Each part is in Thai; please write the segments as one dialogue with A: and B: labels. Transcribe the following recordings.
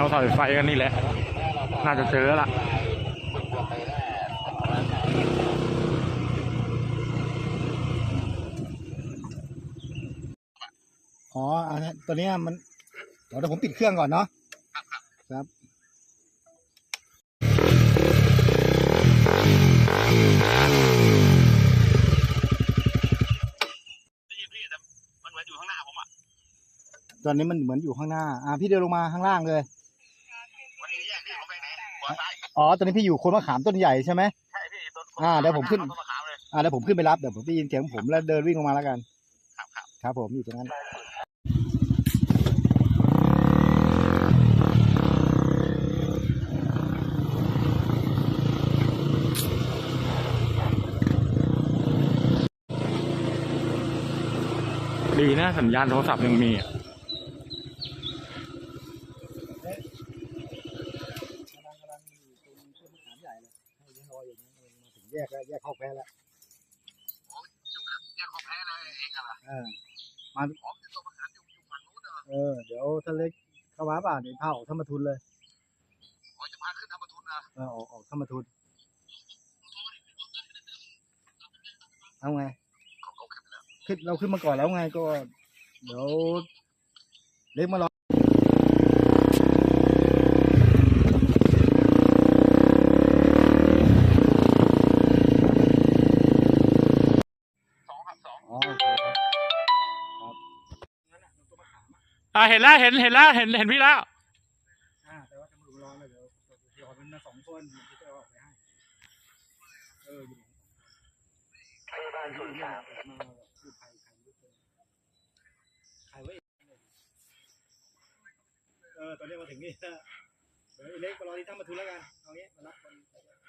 A: วสายไฟกันนี่แหละน่าจะเจอละ
B: อ๋ออันนี้ตัวนี้มันเดี๋ยวผมปิดเครื่องก่อนเนาะครับตอนนี้มันเหมือนอยู่ข้างหน้าพี่เดินลงมาข้างล่างเลยอ๋อตอนนี้พี่อยู่โคนมะขามต้นใหญ่ใช่ไหมใช่พี่เดี๋ยวผมขึ้นเดี๋ยวผมขึ้นไปรับเดี๋ยวผมได้ยินเสียงผมแล้วเดินวิ่งลงมาแล้วกันครับผมอยู่ตรงนั้น
A: ดีนะสัญญาณโทรศัพท์ยังมี
B: แยกแล้วแยกเข้าแพ้แล้วแยกเข้าแพ้แล้วเองอะไรมาเดี๋ยวถ้าเล็กเข้าวัดป่ะเดี๋ยวพาออกธรรมทุนเลยจะพาขึ้นธรรมทุนนะออกธรรมทุนเอาไงขึ้นเราขึ้นมาก่อนแล้วไงก็เดี๋ยวเล็กมารอ
A: เห็นแล้วเห็นแล้วเห็นพี่แล้ว
B: แต่ว่าจะมาดูรอเลยเดี๋ยวมันมา2 คนที่จะออกไปให้ใครบ้านคนมาคือใครไว้ตอนนี้มาถึงนี่เดี๋ยวเล็กมารอที่ธรรมทุนแล้วกันเอางี้มารับคน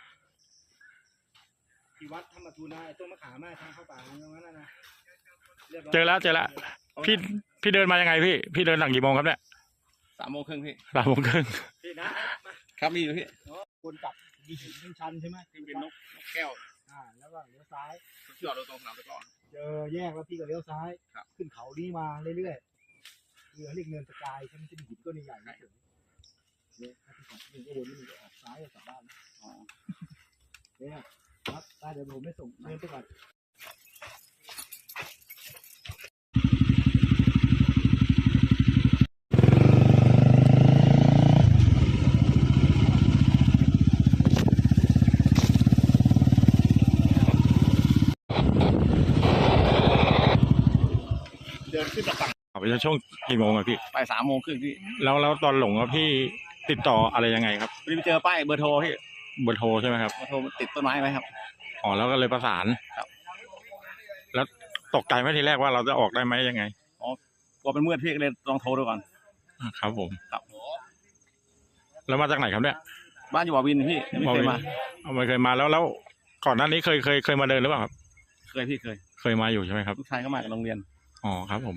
B: ที่วัดธรรมทุนนะต้นมะขามทางเข้าป่าตรงนั้นนะ
A: เจอแล้วพี่เดินมายังไงพี่เดินหลังกี่โมงครับเนี่ย
C: 3:30พี่
A: 3:30
B: พี่นะครับ
C: มีอยู่พี่
B: คนกลับดีหินชันใช่ไหม
C: ที่เป็นนกแก้ว
B: แล้วก็เลี้ยวซ้าย
C: จอดรถตรงสนามตะกร้อ
B: เจอแยกแล้วพี่ก็เลี้ยวซ้ายขึ้นเขานี้มาเรื่อยๆเรียกเนินสกายใช่ไหมจะมีหินก้อนใหญ่ๆเฉยเนี่ยถ้าพี่ขับนี่ก็วนนี่ออกซ้ายกลับบ้านเนี่ยครับเดี๋ยวผมไม่ส่งเดินไปก่อน
C: ขึ้นจากฝั่ง
A: ไปช่วงกี่โมงอะพี่
C: ไป3:30พี่
A: แล้วตอนหลงอะพี่ติดต่ออะไรยังไงครับ
C: ไปเจอป้ายเบอร์โทรพี่
A: เบอร์โทรใช่ไหมครับ
C: เบอร์โทรติดต้นไม้ไหมครับ
A: แล้วก็เลยประสาน
C: ครับ
A: แล้วตกใจไหมทีแรกว่าเราจะออกได้ไหมยังไง
C: กลัวเป็นมืดพี่ก็เลยลองโทรดูก่อน
A: ครับผม
C: ครับ
A: แล้วมาจากไหนครับเนี่ย
C: บ้านอยู่บ่อวินพี่ไม่เคยมา
A: ไม่เคยมาแล้วก่อนหน้านี้เคยมาเดินหรือเปล่าครับ
C: เคยพี่
A: เคยมาอยู่ใช่ไหมครับ
C: ลูกชายก็มาจากโรงเรียน
A: ครับผม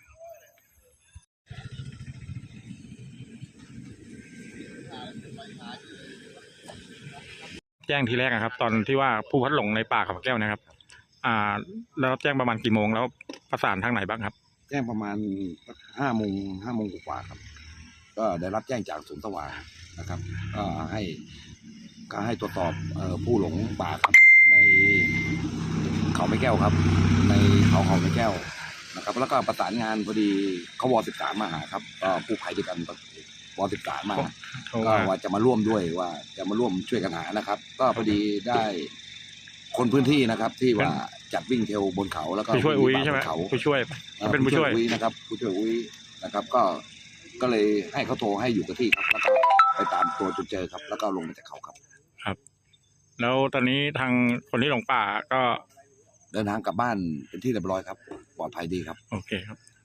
A: แจ้งทีแรกนะครับตอนที่ว่าผู้พัดหลงในป่าเขาแก้วนะครับแล้วแจ้งประมาณกี่โมงแล้วประสานทางไหนบ้างครับ
D: แจ้งประมาณ5 โมงกว่าครับก็ได้รับแจ้งจากศูนย์สว่างนะครับก็ให้ตรวจสอบผู้หลงป่าครับในเขาไม้แก้วครับในเขาไม้แก้วนะครับแล้วก็ประสานงานพอดีเขาว13มาหาครับก็ผู้ภัยด้วยกันว13มาก็ว่าจะมาร่วมด้วยว่าจะมาร่วมช่วยกันหานะครับก็พอดีได้คนพื้นที่นะครับที่ว่าจัดวิ่งเทรลบนเขาแล้วก็
A: ผู้ช่วยอุ้ยใช่ไหมผู้ช่วยเป็นผู้ช่วย
D: อุ้ยนะครับผู้ช่วยอุ้ยนะครับก็เลยให้เขาโทรให้อยู่กับที่ครับแล้วก็ไปตามตัวจนเจอครับแล้วก็ลงมาจากเขาครับ
A: แล้วตอนนี้ทางคนที่หลงป่าก็
D: เดินทางกลับบ้านเป็นที่เรียบร้อยครับปลอดภัยดีครับ
A: โอเคครับ